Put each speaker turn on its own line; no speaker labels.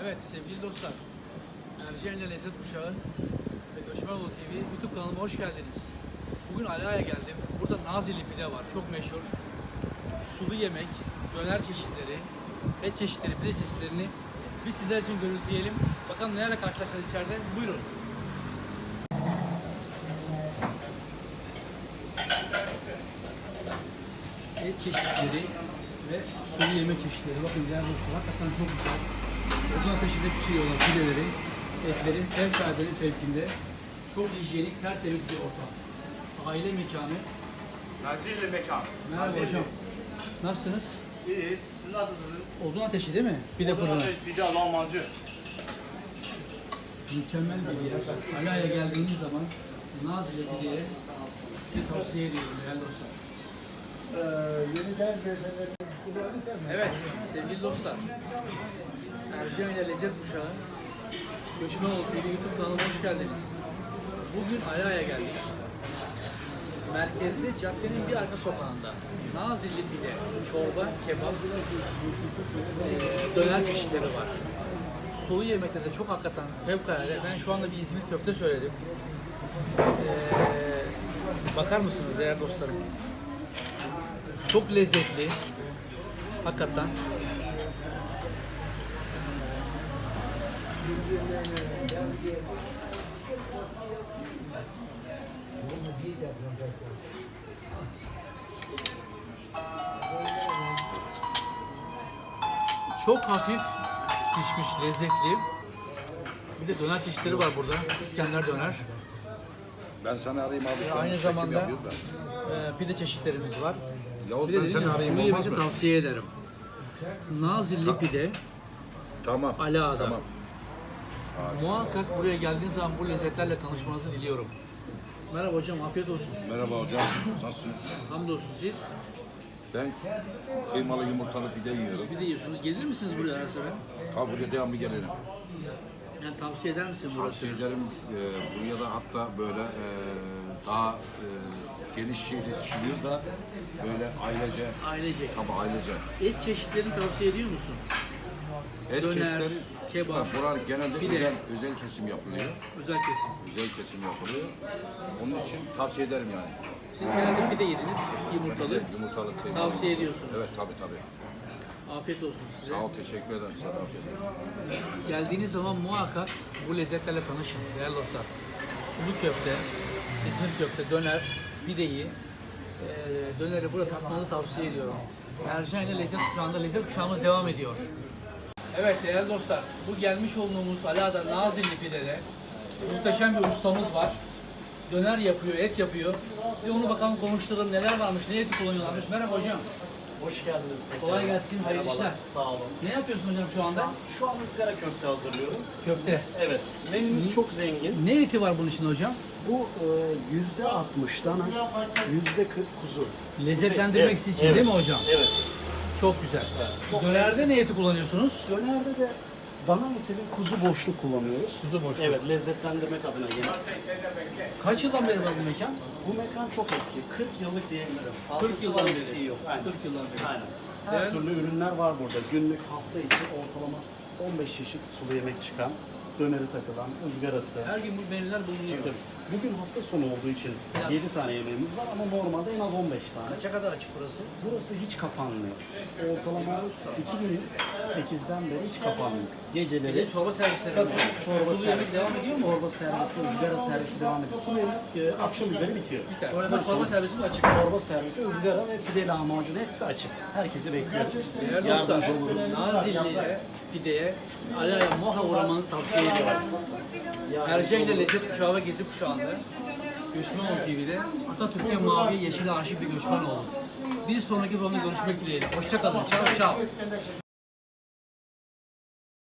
Evet sevgili dostlar, Erciye'yle Lezzet Kuşağı ve Göçmenoğlu TV YouTube kanalıma hoş geldiniz. Bugün Ala'ya geldim. Burada Nazilli pide var, çok meşhur. Sulu yemek, döner çeşitleri, et çeşitleri, pide çeşitlerini biz sizler için görüntüleyelim. Bakalım nelerle karşılaşacağız içeride. Buyurun. Et çeşitleri ve sulu yemek çeşitleri. Bakın değerli dostlar, hakikaten çok güzel. Ocak ateşinde pişiriyorlar pideleri, etleri, fevkaladenin fevkinde. Çok hijyenik, tertemiz bir ortam. Aile mekanı.
Nazilli mekan.
Merhaba
Nazilli.
hocam. Nasılsınız?
İyiyiz. Siz nasılsınız?
Odun ateşi değil mi? Pide fırını.
Pide lahmacun.
Mükemmel bir yer. Ala'ya geldiğiniz zaman Nazilli pideye size tavsiye ediyorum değerli dostlar. Evet sevgili dostlar. Erciye ile Lezzet Kuşağı Göçmenoğlu TV YouTube kanalına hoş geldiniz. Bugün Ala'ya geldik. Merkezde caddenin bir arka sokağında Nazilli pide, çorba, kebap, döner çeşitleri var. Sulu yemekte de çok hakikaten fevkalade. Ben şu anda bir İzmir köfte söyledim. Bakar mısınız değerli dostlarım? Çok lezzetli. Hakikaten. Çok hafif pişmiş, lezzetli. Bir de döner çeşitleri var burada. İskender döner.
Ben sana arayayım abi. Şu an
Aynı
çekim
zamanda
yapıyoruz da.
pide çeşitlerimiz var.
Yahut
Bir de
ben
dedim
seni
ya,
arayayım
sulu
olmaz
yemeci
mı?
tavsiye ederim. Nazilli pide,
Tamam.
Ala'da.
Tamam.
Muhakkak buraya geldiğiniz zaman bu lezzetlerle tanışmanızı diliyorum. Merhaba hocam, afiyet olsun.
Merhaba hocam. Nasılsınız?
Hamdolsun siz.
Ben kıymalı yumurtalı pide yiyorum.
Bir de yiyorsunuz. Gelir misiniz buraya ara sıra?
Tabi buraya devamlı gelelim.
Yani tavsiye eder misin burası?
Tavsiye ederim. Buraya da hatta böyle daha geniş şeyle düşünüyoruz da böyle ailece.
Ailecek.
Tabi ailece.
Et çeşitlerini tavsiye ediyor musun?
Et
Döner,
çeşitleri
kebap,
süper. Buranın genelde
pide.
özel kesim yapılıyor.
Özel kesim.
Özel kesim yapılıyor. Onun için tavsiye ederim yani.
Siz herhalde pide yediniz, yumurtalı.
Yumurtalı kıymalı.
Tavsiye ediyorsunuz.
Evet tabi tabi.
Afiyet olsun size.
Sağ ol, teşekkür ederim sana. Afiyet olsun.
Geldiğiniz zaman muhakkak bu lezzetlerle tanışın değerli dostlar. Sulu köfte, İzmir köfte, döner, pideyi, döneri burada tatmanızı tavsiye ediyorum. Ercan ile Lezzet Kuşağı'nda Lezzet Kuşağımız devam ediyor. Evet değerli dostlar, bu gelmiş olduğumuz Ala'da Nazilli pidede muhteşem bir ustamız var. Döner yapıyor, et yapıyor. Bir onu bakalım konuşturalım, neler varmış, ne eti kullanıyorlarmış. Merhaba hocam.
Hoş geldiniz tekrar.
Kolay gelsin, hayırlı
Merhabalar,
işler.
Sağ olun.
Ne yapıyorsun hocam şu anda?
Şu an ızgara köfte hazırlıyorum.
Köfte.
Evet. Menümüz çok zengin.
Ne eti var bunun içinde hocam?
Bu %60 dana, %40 kuzu.
Lezzetlendirmek
Evet,
için
evet.
değil mi hocam?
Evet.
Çok güzel.
Çok
Dönerde ne eti kullanıyorsunuz?
Dönerde de dana eti ve kuzu boşluk kullanıyoruz.
Kuzu boşluk.
Evet, lezzetlendirmek adına gene.
Kaç yıldan beri var bu mekan?
Bu mekan çok eski. 40 yıllık diyebilirim.
40
Fazlası
yıldan
var,
beri.
eksiği yok. Aynen.
40 yıldan beri.
Aynen. Her
Değerli-
türlü ürünler var burada. Günlük hafta içi ortalama 15 çeşit sulu yemek çıkan, döneri takılan, ızgarası.
Her gün bu menüler bulunuyor.
Tabii. Bugün hafta sonu olduğu için
Biraz.
7 tane yemeğimiz var ama normalde en az 15 tane.
Kaça kadar açık burası?
Burası hiç kapanmıyor. Ortalama 2008'den beri hiç kapanmıyor.
Bir
Geceleri
de çorba servisleri
tabii,
var.
çorba
Sulu yemek
servisi,
devam ediyor mu?
Çorba servisi, ızgara servisi devam ediyor. Sulu yemek akşam üzeri bitiyor.
Biter.
Öğleden
Ama çorba
sonra
servisi de açık.
çorba servisi, ızgara ve pide lahmacun hepsi açık. Herkesi bekliyoruz.
Değerli dostlar,
Yardımcı oluruz.
Nazilli'ye, pideye, Ala'ya muhakkak uğramanızı tavsiye ediyorum. Ercan ile Lezzet Kuşağı ve Gezi Kuşağı'nda Göçmenoğlu TV'de Atatürk'e mavi yeşil aşık bir göçmen oldu. Bir sonraki programda görüşmek dileğiyle. Hoşça kalın. Çao çao.